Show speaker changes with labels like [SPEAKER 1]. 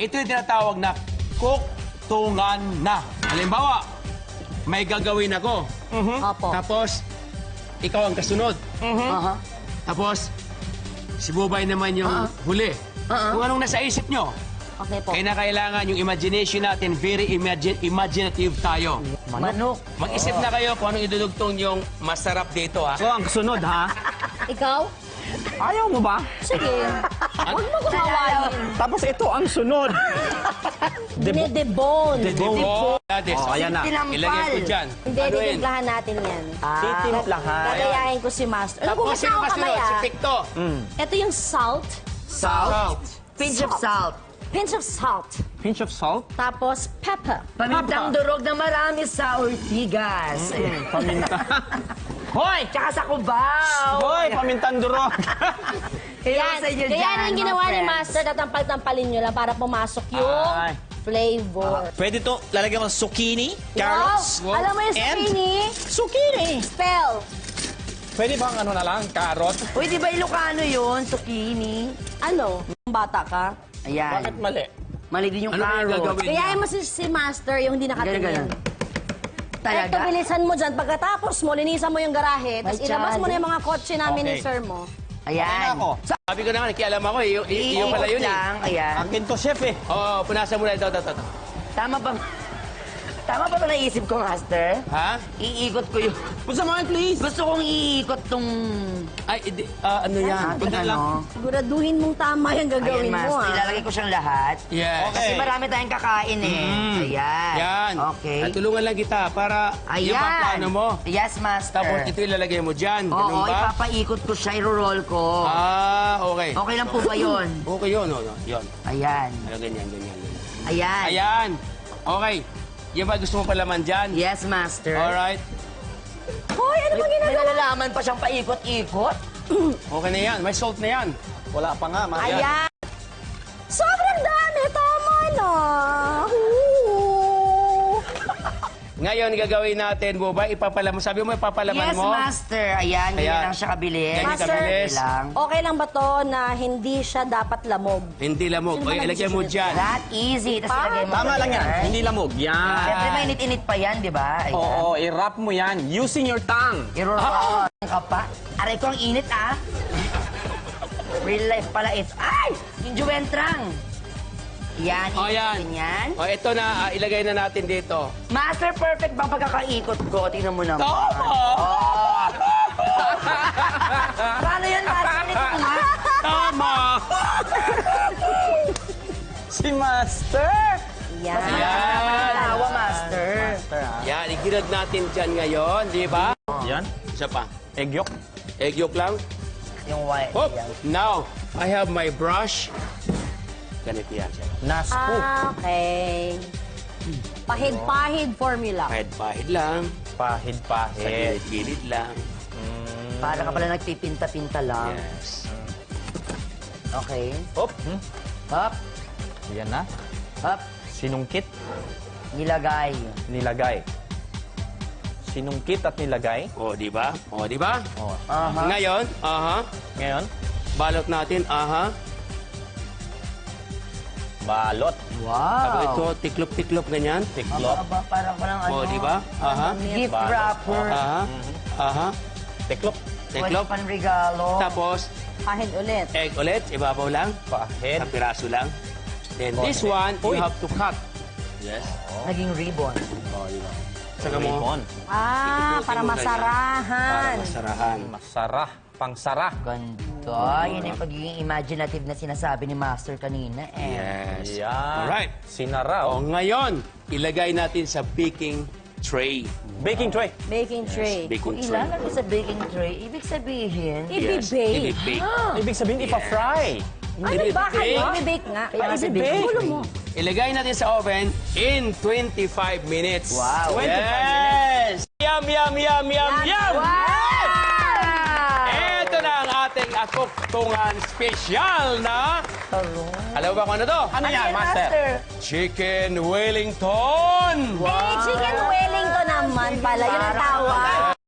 [SPEAKER 1] ito yung tinatawag na kuktungan na. Halimbawa, may gagawin ako.
[SPEAKER 2] Opo.
[SPEAKER 1] Tapos, ikaw ang kasunod. Tapos, si Bubay naman yung huli. Kung anong nasa isip nyo.
[SPEAKER 2] Okay po.
[SPEAKER 1] Kaya na kailangan yung imagination natin, very imaginative tayo.
[SPEAKER 3] Manok.
[SPEAKER 1] Mag-isip na kayo kung anong idudugtong yung masarap dito, ha?
[SPEAKER 4] So, ang sunod, ha?
[SPEAKER 2] Ikaw?
[SPEAKER 4] Ayaw mo ba?
[SPEAKER 2] Sige. Huwag mo gumawain.
[SPEAKER 4] Tapos ito ang sunod.
[SPEAKER 2] Dinedebon.
[SPEAKER 1] Oh, Ades.
[SPEAKER 4] Oh, ayan na.
[SPEAKER 1] Ilagay ko dyan.
[SPEAKER 2] Hindi,
[SPEAKER 1] Ano yun?
[SPEAKER 2] titimplahan natin yan.
[SPEAKER 4] Titimplahan.
[SPEAKER 2] Gagayahin ko si Master. Alam ko,
[SPEAKER 1] Tapos, sino
[SPEAKER 2] ako
[SPEAKER 1] kasunod?
[SPEAKER 2] kamay,
[SPEAKER 1] Si
[SPEAKER 2] ah.
[SPEAKER 1] Picto.
[SPEAKER 2] Ito yung salt.
[SPEAKER 1] Salt.
[SPEAKER 3] Pinch of salt.
[SPEAKER 2] Pinch of salt.
[SPEAKER 4] Pinch of salt.
[SPEAKER 2] Tapos pepper.
[SPEAKER 3] Pamintang durog na marami sa Ortigas.
[SPEAKER 4] Paminta.
[SPEAKER 3] Hoy! Tsaka sa Cubao!
[SPEAKER 4] Hoy, pamintang durog.
[SPEAKER 2] Yan. Kaya yung ginawa ni Master, tatampal-tampalin nyo lang para pumasok yung
[SPEAKER 4] Ay.
[SPEAKER 2] flavor.
[SPEAKER 5] Pwede to lalagyan mo ng zucchini, carrots,
[SPEAKER 2] Wow! Alam mo yung
[SPEAKER 5] and
[SPEAKER 2] zucchini?
[SPEAKER 5] zucchini.
[SPEAKER 2] Spell.
[SPEAKER 4] Pwede bang ano na lang, carrot?
[SPEAKER 3] Uy, di ba Ilocano yun? Zucchini?
[SPEAKER 2] Ano? Bata ka?
[SPEAKER 3] Ayan.
[SPEAKER 4] Bakit mali?
[SPEAKER 3] Mali din yung
[SPEAKER 1] Ano kaya
[SPEAKER 3] carrot.
[SPEAKER 1] gagawin niya?
[SPEAKER 2] Kaya mo si Master yung hindi nakatingin.
[SPEAKER 3] Ganun. Talaga?
[SPEAKER 2] Eto, bilisan mo dyan. Pagkatapos mo, linisan mo yung garahe, tapos
[SPEAKER 3] Ay,
[SPEAKER 2] ilabas mo na
[SPEAKER 3] chali.
[SPEAKER 2] yung mga kotse namin ni
[SPEAKER 4] Okay.
[SPEAKER 2] sir mo.
[SPEAKER 3] Ayan.
[SPEAKER 4] ako.
[SPEAKER 1] Sabi ko naman, kialam ako eh. Yung pala yun eh.
[SPEAKER 3] lang. Ayan.
[SPEAKER 4] Akin to, chef eh.
[SPEAKER 1] Oo, punasan mo na ito.
[SPEAKER 3] Tama ba? Tama ba naisip ko, Master?
[SPEAKER 1] Ha?
[SPEAKER 3] Iikot ko yung...
[SPEAKER 4] Pusa mo, please.
[SPEAKER 3] Gusto kong iikot tong...
[SPEAKER 1] Ay, ano yan?
[SPEAKER 3] Ating ano.
[SPEAKER 2] Siguraduhin mong tama yung gagawin
[SPEAKER 3] Ayan,
[SPEAKER 2] mo,
[SPEAKER 3] Master.
[SPEAKER 2] ah.
[SPEAKER 3] Ilalagay ko siyang lahat.
[SPEAKER 1] Yes.
[SPEAKER 3] Kasi marami tayong kakain eh. Ayan.
[SPEAKER 1] Yan.
[SPEAKER 3] Okay.
[SPEAKER 1] At tulungan lang kita para yung
[SPEAKER 3] Ayan.
[SPEAKER 1] paplano mo.
[SPEAKER 3] Yes, Master.
[SPEAKER 1] Tapos ito ilalagay mo dyan. Ganun
[SPEAKER 3] Oo,
[SPEAKER 1] ba?
[SPEAKER 3] ipapaikot ko siya, iro-roll ko.
[SPEAKER 1] Okay.
[SPEAKER 3] Okay lang po ba yun?
[SPEAKER 1] Okay yun, yun.
[SPEAKER 3] Ayan.
[SPEAKER 1] Ganyan.
[SPEAKER 3] Ayan.
[SPEAKER 1] Ayan. Okay. Yan ba gusto mo palaman dyan?
[SPEAKER 3] Yes, Master.
[SPEAKER 1] Alright.
[SPEAKER 2] Hoy, ano ba
[SPEAKER 3] May
[SPEAKER 2] ginagawa?
[SPEAKER 3] nalalaman pa siyang paikot-ikot.
[SPEAKER 1] Okay na yan. May salt na yan.
[SPEAKER 4] Wala pa nga, Maria.
[SPEAKER 2] Ayan. Sobrang dami. Tama na.
[SPEAKER 1] Ngayon, gagawin natin, Bubay, ipapalaman. Sabi mo, ipapalaman
[SPEAKER 3] Yes,
[SPEAKER 1] mo?
[SPEAKER 3] Master. Ayan, ganyan
[SPEAKER 1] Ayan.
[SPEAKER 3] lang siya kabilis.
[SPEAKER 1] Ganyan
[SPEAKER 2] Master,
[SPEAKER 1] kabilis.
[SPEAKER 3] lang.
[SPEAKER 2] Okay lang ba to na hindi siya dapat lamog?
[SPEAKER 1] Hindi lamog.
[SPEAKER 2] Sino
[SPEAKER 1] O,
[SPEAKER 2] ba
[SPEAKER 1] ilagay mo
[SPEAKER 2] nagsusunod?
[SPEAKER 1] dyan.
[SPEAKER 3] That easy. Tapos
[SPEAKER 2] Pa?
[SPEAKER 3] ilagay mo.
[SPEAKER 4] Tama lang yan. Hindi lamog. Yan.
[SPEAKER 3] Siyempre, mainit-init pa yan, di ba? Ayan.
[SPEAKER 4] Oo, i-wrap mo yan using your tongue.
[SPEAKER 3] Iro-roll ka pa. Aray ko, ang init, ah. Real life pala is... Ay! Yung juwentrang. Yan,
[SPEAKER 1] O, yan.
[SPEAKER 3] ikutin yan.
[SPEAKER 1] O, ito na. Ilagay na natin dito.
[SPEAKER 3] Master, perfect bang pagkakaikot ko? Tingnan mo naman.
[SPEAKER 1] Tama!
[SPEAKER 3] Paano yan, Master? Ito ko nga.
[SPEAKER 1] Tama!
[SPEAKER 4] Si Master.
[SPEAKER 2] Yan.
[SPEAKER 1] Yan.
[SPEAKER 3] Tawa, Master.
[SPEAKER 1] Yan, igirad natin dyan ngayon, di ba?
[SPEAKER 4] Yan.
[SPEAKER 1] Isa pa.
[SPEAKER 4] Egg yolk.
[SPEAKER 1] Egg yolk lang.
[SPEAKER 3] Yung white.
[SPEAKER 1] Hop!
[SPEAKER 3] Yan.
[SPEAKER 1] Now, I have my brush. Ganito yan siya.
[SPEAKER 4] Nasco.
[SPEAKER 2] Okay. Pahid-pahid formula.
[SPEAKER 1] Pahid-pahid lang. Sa
[SPEAKER 4] Pahid-pahid.
[SPEAKER 1] gilid-gilid lang.
[SPEAKER 3] Para ka pala nagpipinta-pinta lang.
[SPEAKER 1] Yes.
[SPEAKER 3] Okay.
[SPEAKER 4] Hop.
[SPEAKER 3] Hop.
[SPEAKER 4] Yan na.
[SPEAKER 3] Hop.
[SPEAKER 4] Sinungkit,
[SPEAKER 3] Nilagay.
[SPEAKER 4] nilagay. Sinungkit at nilagay.
[SPEAKER 1] O, di ba? O, di ba?
[SPEAKER 4] Oh.
[SPEAKER 3] Aha.
[SPEAKER 1] Ngayon,
[SPEAKER 4] Ngayon,
[SPEAKER 1] balot natin,
[SPEAKER 4] balot.
[SPEAKER 1] Tapos ito,
[SPEAKER 3] Wow.
[SPEAKER 1] tiklop-tiklop ganyan.
[SPEAKER 4] Tiklop.
[SPEAKER 3] Aba, parang walang ano.
[SPEAKER 1] O, di ba?
[SPEAKER 3] Gift
[SPEAKER 4] Balot.
[SPEAKER 3] wrapper.
[SPEAKER 4] Tiklop.
[SPEAKER 3] Pwede
[SPEAKER 1] Tiklop.
[SPEAKER 3] pang regalo.
[SPEAKER 1] Tapos,
[SPEAKER 2] Pahid ulit.
[SPEAKER 1] egg ulit, ibabaw lang.
[SPEAKER 4] Pahid.
[SPEAKER 1] Sa piraso lang. Then
[SPEAKER 4] Okay.
[SPEAKER 1] this one, you
[SPEAKER 4] Uy.
[SPEAKER 1] have to cut. Yes.
[SPEAKER 3] Naging ribbon.
[SPEAKER 1] O, di ba? Saka mo,
[SPEAKER 4] Ribbon.
[SPEAKER 2] Ah, para
[SPEAKER 1] para
[SPEAKER 2] masarahan.
[SPEAKER 1] masarahan.
[SPEAKER 4] Masarah. Pangsara.
[SPEAKER 3] Ganda. Yun yung pagiging imaginative na sinasabi ni Master kanina eh.
[SPEAKER 1] Yes.
[SPEAKER 4] Yan.
[SPEAKER 1] Alright.
[SPEAKER 4] Sinara.
[SPEAKER 1] O,
[SPEAKER 4] Oh.
[SPEAKER 1] ngayon, ilagay natin sa baking tray.
[SPEAKER 4] Baking tray.
[SPEAKER 2] Baking tray.
[SPEAKER 1] Baking
[SPEAKER 3] Kung
[SPEAKER 1] tray.
[SPEAKER 3] ilalagay sa baking tray, ibig sabihin...
[SPEAKER 1] Yes.
[SPEAKER 2] Ibibake.
[SPEAKER 1] Ibibake.
[SPEAKER 4] Ibig sabihin, ipa-fry.
[SPEAKER 2] Ano ba kayo? Ibibake nga.
[SPEAKER 3] Kaya nga sa
[SPEAKER 4] Ibibake.
[SPEAKER 3] baking
[SPEAKER 2] Gulo
[SPEAKER 3] tray.
[SPEAKER 2] mo.
[SPEAKER 1] Ilagay natin sa oven in 25 minutes.
[SPEAKER 3] Wow.
[SPEAKER 4] 25
[SPEAKER 1] Yes! Yum, yum, yum, yum, yum!
[SPEAKER 2] Wow!
[SPEAKER 1] Ito na ang ating akuktungan special na... Alam mo ba kung ano to?
[SPEAKER 4] Ano yan, Master?
[SPEAKER 1] Chicken Wellington!
[SPEAKER 2] Eh, chicken Wellington naman pala. Yun ang tawag.